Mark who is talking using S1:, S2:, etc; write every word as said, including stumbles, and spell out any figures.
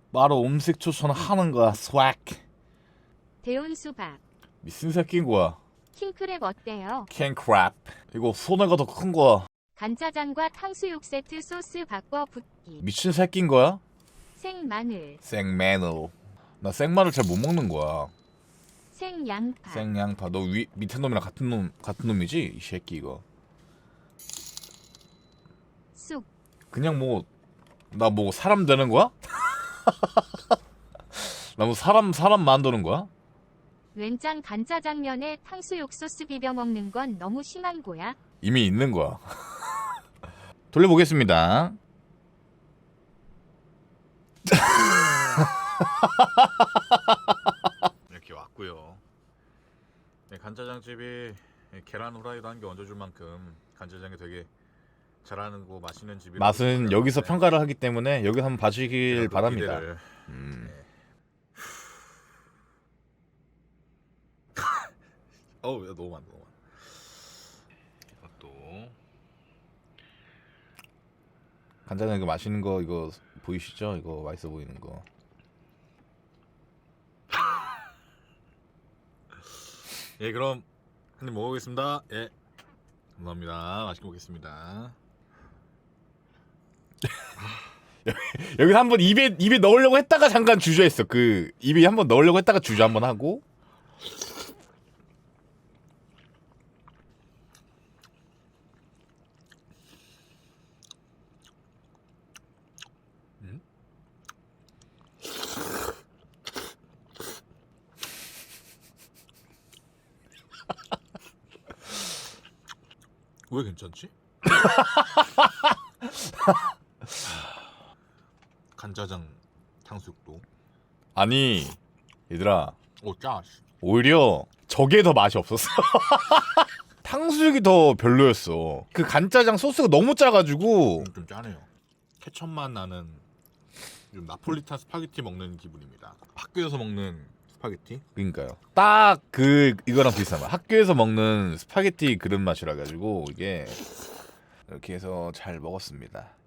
S1: 바로 음식 추천하는 거야. 스웩.
S2: 데운 수박.
S1: 미친 새끼인 거야.
S2: 킹크랩 어때요?
S1: 캔크랩. 이거 손해가 더 큰 거야.
S2: 간짜장과 탕수육 세트 소스 바꿔 붓기.
S1: 미친 새끼인 거야?
S2: 생마늘.
S1: 생마늘. 나 생마늘 잘 못 먹는 거야.
S2: 생양파.
S1: 생양파. 너 위, 밑에 놈이랑 같은 놈 같은 놈이지? 이 새끼 이거.
S2: 쑥.
S1: 그냥 뭐 나 뭐 사람 되는 거야? 나 뭐 사람 사람 만드는 거야?
S2: 웬장 간짜장면에 탕수육 소스 비벼 먹는 건 너무 심한 거야.
S1: 이미 있는 거야. 돌려보겠습니다. 이렇게 왔고요. 네, 간짜장집이 계란 후라이도 한 개 얹어줄 만큼 간짜장이 되게 잘하는 거 맛있는 집이. 맛은 여기서 평가를 하기 때문에 여기 한번 봐주길 바랍니다. 기대를... 음. 네. 어우, 야, 너무 많다, 너무 많다. 이것도 간짜장 이거 맛있는 거 이거 보이시죠? 이거 맛있어 보이는 거. 예, 그럼 한 입 먹어보겠습니다. 예, 감사합니다. 맛있게 먹겠습니다. 여기 한번 입에 입에 넣으려고 했다가 잠깐 주저했어. 그 입에 한번 넣으려고 했다가 주저 한번 하고. 음? 왜 괜찮지? 간짜장 탕수육도. 아니 얘들아, 오 짜. 오히려 저게 더 맛이 없었어. 탕수육이 더 별로였어. 그 간짜장 소스가 너무 짜가지고. 좀 짜네요. 케첩맛 나는 좀 나폴리탄 스파게티 먹는 기분입니다. 학교에서 먹는 스파게티? 그러니까요. 딱 그 이거랑 비슷한 맛. 학교에서 먹는 스파게티 그런 맛이라 가지고 이게 이렇게 해서 잘 먹었습니다.